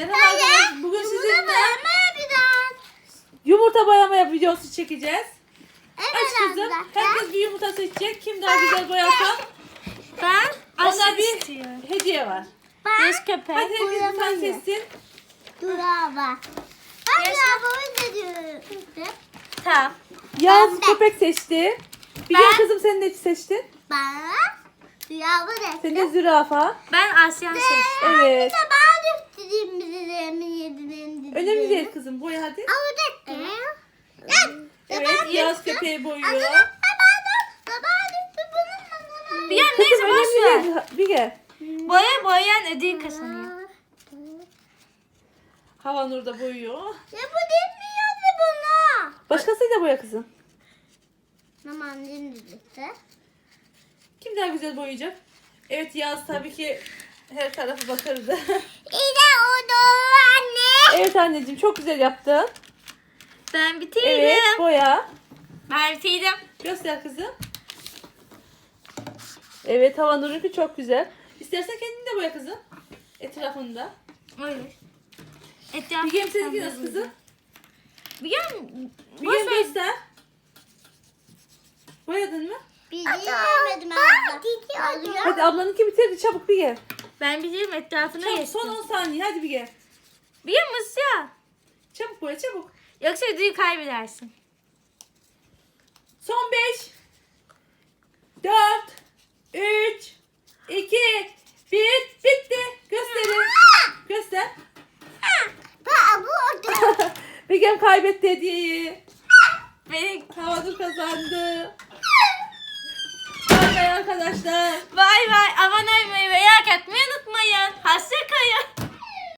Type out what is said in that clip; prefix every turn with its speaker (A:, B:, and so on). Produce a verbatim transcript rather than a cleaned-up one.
A: Merhaba arkadaşlar. Bugün
B: Yumurta
A: sizinle
B: boyama yapacağız.
A: yumurta boyama videosu çekeceğiz.
B: Evet
A: Aç kızım.
B: arkadaşlar.
A: Herkes bir yumurta seçecek. Kim daha güzel boyarsa
C: Ben
A: ona
C: aşk
A: bir
C: istiyorum.
A: hediye var.
B: Ben
C: Yaş köpek.
A: Hadi herkes bir tane
B: boyamayı.
A: seçsin.
B: Dur abla. Ben
C: Yaş-
B: ya baba ne diyorum?
C: Tamam.
A: Yaz
B: Ben de.
A: köpek seçti. Bir
C: Ben-
A: kızım sen ne seçtin?
B: Ben ya bu
A: Sen
B: ne?
A: de zürafa.
C: Ben Asyan seçtim.
A: Evet.
B: Bir de ben üstüdüm bizi yedirin.
A: Önemli değil kızım. Boya hadi.
B: Ama ne?
A: Evet. Yaz köpeği boyuyor.
C: Bir yan
A: Kızım
C: neyse boş ver.
A: önemli değil. Bir gel.
C: Boya boyayan ödül kazanıyor.
A: Havanur da boyuyor.
B: Ya bu bilmiyordu bunu.
A: Başkasıyla boya kızım.
B: Aman dinleyecekti.
A: Kim daha güzel boyayacak? Evet Yaz tabii ki her tarafı bakırdı.
B: İyi oldu anne.
A: Evet anneciğim çok güzel yaptın.
C: Ben bitirdim.
A: Evet boya.
C: Ben bitirdim.
A: Göster kızım. Evet Havanur'unki çok güzel. İstersen kendin de boya kızım. Etrafında.
C: Öyle. Etrafı.
A: Bilgem seninki nasıl kızım?
C: Bir yan boş
A: Bilgem
C: ver.
A: göster. Boyadın mı?
B: Bilmiyorum abla.
A: Hadi ablanınki bitirdi çabuk Bilgem.
C: Ben bitirdim etrafına
A: Çabuk
C: geçtim.
A: son on saniye hadi Bilgem.
C: Bir yan Musya.
A: Çabuk boya çabuk.
C: Yoksa ödülü kaybedersin.
A: Son beş. dört. üç. iki. bir. Bitti. Gösterin. Göster.
B: Baba bu oldu.
A: Bilgem kaybetti hediyeyi.
C: Benim.
A: Havanur kazandı. Bay bay arkadaşlar.
C: Bay bay. Abone olmayı ve like atmayı unutmayın. Hoşça